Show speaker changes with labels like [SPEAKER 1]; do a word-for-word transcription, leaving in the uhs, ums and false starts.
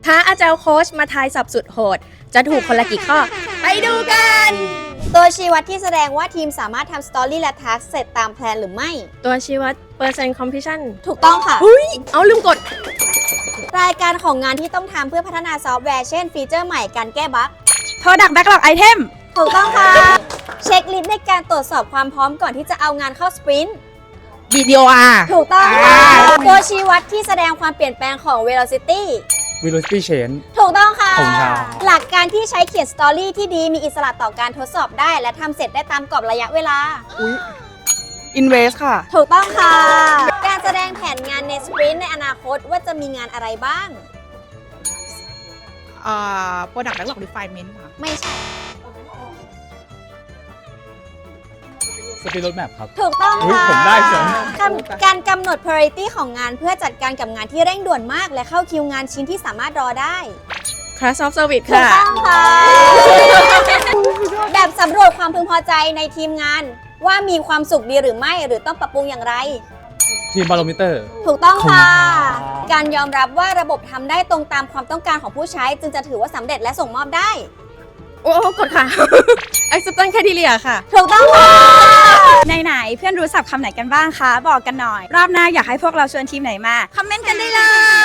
[SPEAKER 1] ท้าอาจารย์โค้ชมาทายสับสุดโหดจะถูกคนละกี่ข้อไปดูกัน
[SPEAKER 2] ตัวชี้วัดที่แสดงว่าทีมสามารถทำสตอรี่และทัสเสร็จตามแพลนหรือไม่
[SPEAKER 1] ตัวชี้วัดเปอร์เซ็นต์คอมพิชชั่น
[SPEAKER 2] ถูกต้องค่ะ
[SPEAKER 1] อุ้ยเอาลืมกด
[SPEAKER 2] รายการของงานที่ต้องทำเพื่อพัฒนาซอฟต์แวร์เช่นฟีเจอร์ใหม่การแก้บั๊ก
[SPEAKER 3] Product Backlog Item
[SPEAKER 2] ถูกต้องค่ะ เช็คลิสต์ในการตรวจสอบความพร้อมก่อนที่จะเอางานเข้าสปรินต์
[SPEAKER 3] ดี ดี โอ อาร์
[SPEAKER 2] ถูกต้องค่ะ ตัวชี้วัดที่แสดงความเปลี่ยนแปลงของ velocity
[SPEAKER 4] velocity change
[SPEAKER 2] ถูกต้องค่ะ
[SPEAKER 4] ผมครับ
[SPEAKER 2] หลักการที่ใช้เขียนสตอรี่ที่ดีมีอิสระต่อการทดสอบได้ และทำเสร็จได้ตามกรอบระยะเวลา
[SPEAKER 3] Invest ค่ะ
[SPEAKER 2] ถูกต้องค่ะ การแสดงแผนงานในสปรินต์ในอนาคตว่าจะมีงานอะไรบ้าง
[SPEAKER 3] อ่า Product Backlog Refinement ค่ะ
[SPEAKER 2] ไม่ใช่
[SPEAKER 4] speed roadmap ครับ
[SPEAKER 2] ถูกต้อง
[SPEAKER 4] อุ๊ย
[SPEAKER 2] ค่ะ
[SPEAKER 4] ผมได้เสริม
[SPEAKER 2] การการกำหนด priority ของงานเพื่อจัดการกับงานที่เร่งด่วนมาก และเข้าคิวงานชิ้นที่สามารถรอได้
[SPEAKER 1] Class of Service
[SPEAKER 2] ถูก
[SPEAKER 1] ค่ะ
[SPEAKER 2] ต้องค่ะ แบบสำรวจความพึงพอใจในทีมงานว่ามีความสุขดีหรือไม่หรือต้องปรับปรุงอย่างไร
[SPEAKER 4] ทีม barometer
[SPEAKER 2] ถูกต้องค่ะ
[SPEAKER 4] ขอบคุณครับ
[SPEAKER 2] การยอมรับว่าระบบทำได้ตรงตามความต้องการของผู้ใช้ จึงจะถือว่าสำเร็จและส่งมอบได้
[SPEAKER 1] โอ้กดค่ะ Acceptance Criteria ค่ะ
[SPEAKER 2] ถูกต้องค่ะ
[SPEAKER 3] ไหนๆเพื่อนรู้ศัพท์คำไหนกันบ้างคะ บอกกันหน่อย รอบหน้าอยากให้พวกเราชวนทีมไหนมา คอมเมนต์กันได้เลย